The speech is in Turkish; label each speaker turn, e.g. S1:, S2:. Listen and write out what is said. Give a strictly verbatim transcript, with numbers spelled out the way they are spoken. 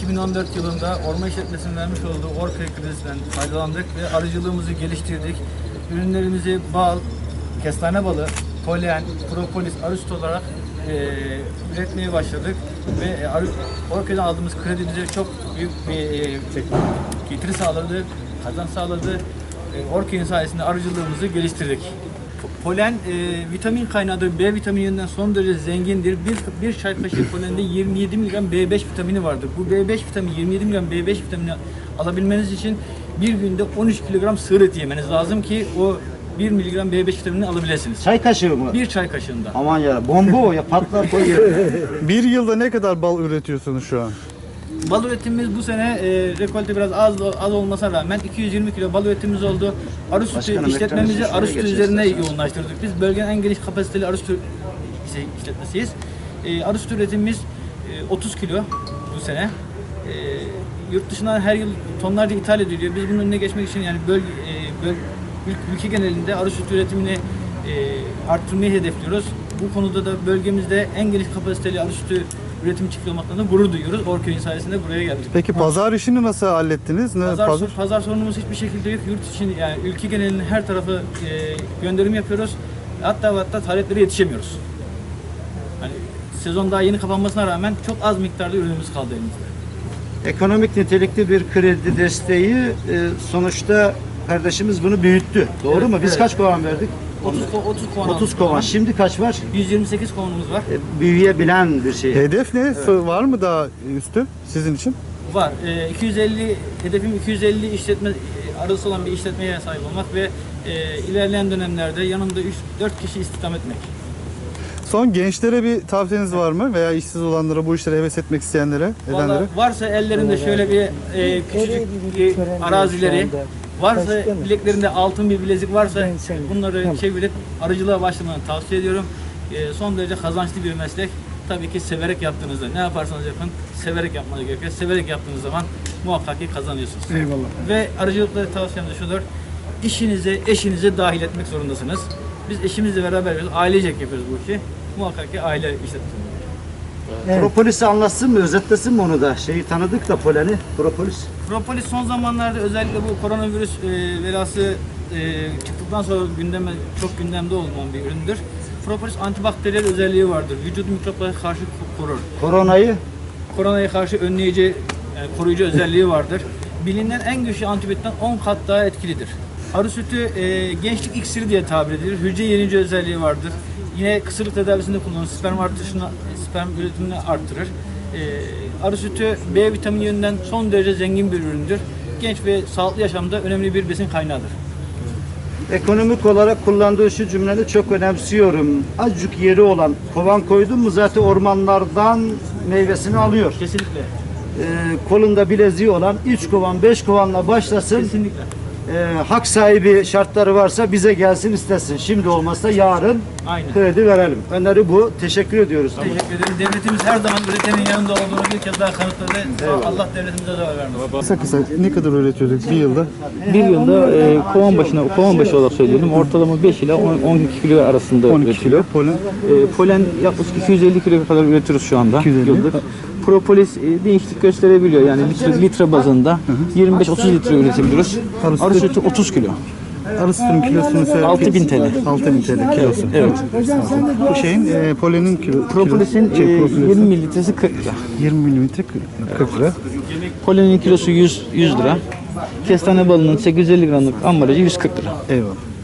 S1: iki bin on dört yılında Orman İşletmesi'nin vermiş olduğu Orkaya kredisinden faydalandık ve arıcılığımızı geliştirdik. Ürünlerimizi bal, kestane balı, polen, propolis, arı sütü olarak e, üretmeye başladık ve arı, Orkaya'dan aldığımız kredi bize çok büyük bir e, getiri sağladı, kazanç sağladı. E, Orkaya'nın sayesinde arıcılığımızı geliştirdik. Polen e, vitamin kaynağıdır. B vitamininden son derece zengindir. Bir, bir çay kaşığı polende yirmi yedi miligram B beş vitamini vardır. Bu B beş vitamini, yirmi yedi miligram B beş vitamini alabilmeniz için bir günde on üç kilogram sığır eti yemeniz lazım ki o bir miligram B beş vitaminini alabilirsiniz.
S2: Çay kaşığı mı?
S1: Bir çay kaşığında.
S2: Aman ya, bomba o ya, patlar koyuyor.
S3: Bir yılda ne kadar bal üretiyorsunuz şu an?
S1: Bal üretimimiz bu sene e, rekolte biraz az az olmasına rağmen iki yüz yirmi kilo bal üretimimiz oldu. Arı sütü
S2: Başkanım,
S1: işletmemizi
S2: ekranı
S1: arı sütü
S2: şuraya
S1: üzerine
S2: geçelim.
S1: yoğunlaştırdık. Biz bölgenin en geniş kapasiteli arı sütü şey, işletmesiyiz. E, arı sütü üretimimiz e, otuz kilo bu sene. E, yurt dışından her yıl tonlarca ithal ediliyor. Biz bunun önüne geçmek için yani bölge, e, böl, ül- ülke genelinde arı sütü üretimini e, arttırmayı hedefliyoruz. Bu konuda da bölgemizde en geniş kapasiteli arı sütü üretim çiftliği olmaktan da gurur duyuyoruz. Orköy'ün sayesinde buraya geldik.
S3: Peki pazar işini nasıl hallettiniz? Ne
S1: Pazar,
S3: pazar?
S1: pazar sorunumuz hiçbir şekilde yok. Yurt için yani ülke genelinin her tarafı e, gönderim yapıyoruz. Hatta ve hatta taleplere yetişemiyoruz. Hani sezon daha yeni kapanmasına rağmen çok az miktarda ürünümüz kaldı elimizde.
S2: Ekonomik nitelikli bir kredi desteği, e, sonuçta kardeşimiz bunu büyüttü. Doğru
S1: Evet,
S2: mu? Biz
S1: evet.
S2: kaç kovan verdik?
S1: otuz, ko- otuz kovan
S2: otuz
S1: aldık.
S2: kovan. Şimdi kaç var?
S1: yüz yirmi sekiz kovanımız var.
S2: E, büyüyebilen bir şey.
S3: Hedef ne? Var mı daha üstü sizin için?
S1: Var. E, iki yüz elli hedefim iki yüz elli işletme e, arası olan bir işletmeye sahip olmak ve e, ilerleyen dönemlerde yanımda üç dört kişi istihdam etmek.
S3: Son gençlere bir tavsiyeniz var mı? Veya işsiz olanlara, bu işlere heves etmek isteyenlere, edenlere?
S1: Vallahi varsa ellerinde şöyle bir e, küçücük e, arazileri, varsa bileklerinde altın bir bilezik varsa bunları çevirip arıcılığa başlamanı tavsiye ediyorum. E, son derece kazançlı bir meslek. Tabii ki severek yaptığınızda ne yaparsanız yapın severek yapmanız gerekiyor. Severek yaptığınız zaman muhakkak ki kazanıyorsunuz.
S3: Eyvallah.
S1: Ve arıcılıkta tavsiyem de şudur. İşinize, eşinize dahil etmek zorundasınız. Biz eşimizle beraber yapıyoruz, ailecek yapıyoruz bu işi. Muhakkak ki aile işletmesi.
S2: Propolis'i anlatsın mı? Özetlesin mi onu da? Şeyi tanıdık da, poleni. Propolis.
S1: Propolis son zamanlarda özellikle bu koronavirüs e, velası e, çıktıktan sonra gündeme çok gündemde olan bir üründür. Propolis antibakteriyel özelliği vardır. Vücudu mikroplara karşı korur.
S2: Koronayı
S1: Koronaya karşı önleyici, yani koruyucu özelliği vardır. Bilinen en güçlü antibiyotikten on kat daha etkilidir. Arı sütü e, gençlik iksiri diye tabir edilir. Hücre yenici özelliği vardır. Yine kısırlık tedavisinde kullanılır. Sperm artışını, sperm üretimini arttırır. E, arı sütü B vitamini yönünden son derece zengin bir üründür. Genç ve sağlıklı yaşamda önemli bir besin kaynağıdır.
S2: ekonomik olarak kullandığı şu cümleni çok önemsiyorum. Azıcık yeri olan, kovan koydun mu zaten ormanlardan meyvesini alıyor.
S1: Kesinlikle.
S2: Ee, kolunda bileziği olan üç kovan, beş kovanla başlasın.
S1: Kesinlikle.
S2: Ee, hak sahibi şartları varsa bize gelsin istesin. Şimdi olmazsa yarın
S1: Aynen.
S2: kredi verelim. Öneri bu. Teşekkür ediyoruz.
S1: Teşekkür ederim. Devletimiz her zaman üretenin yanında olduğunu bir kez daha kanıtladı. Allah devletimize de vermesin.
S3: Kısa kısa ne kadar üretiyorduk bir yılda?
S4: Bir yılda e, kovan başına kovan başı olarak söylüyorum. Ortalama beş ile on iki kilo arasında
S3: on iki
S4: üretiliyor.
S3: kilo polen.
S4: E, polen yaklaşık iki yüz elli kilo kadar üretiyoruz şu anda.
S3: iki yüz elli.
S4: Yıllık. Propolis e, değişiklik gösterebiliyor. Yani litre, litre bazında yirmi beş otuz litre üretebiliyoruz.
S3: Arı
S4: Arı
S3: sütü-
S4: sütü otuz kilo.
S3: Arı sütünün kilosunu söyle.
S4: altı bin T L.
S3: altı bin T L kilosu.
S4: Evet.
S3: Bu şeyin e, polenin kilo,
S4: Propolis'in
S3: kilo- şey,
S4: e,
S3: propolis-
S4: yirmi mililitresi kırk lira.
S3: yirmi milimetre kırk lira.
S4: Polenin kilosu yüz, yüz lira. Kestane balının sekiz yüz elli gramlık ambalajı yüz kırk lira.
S3: Eyvallah.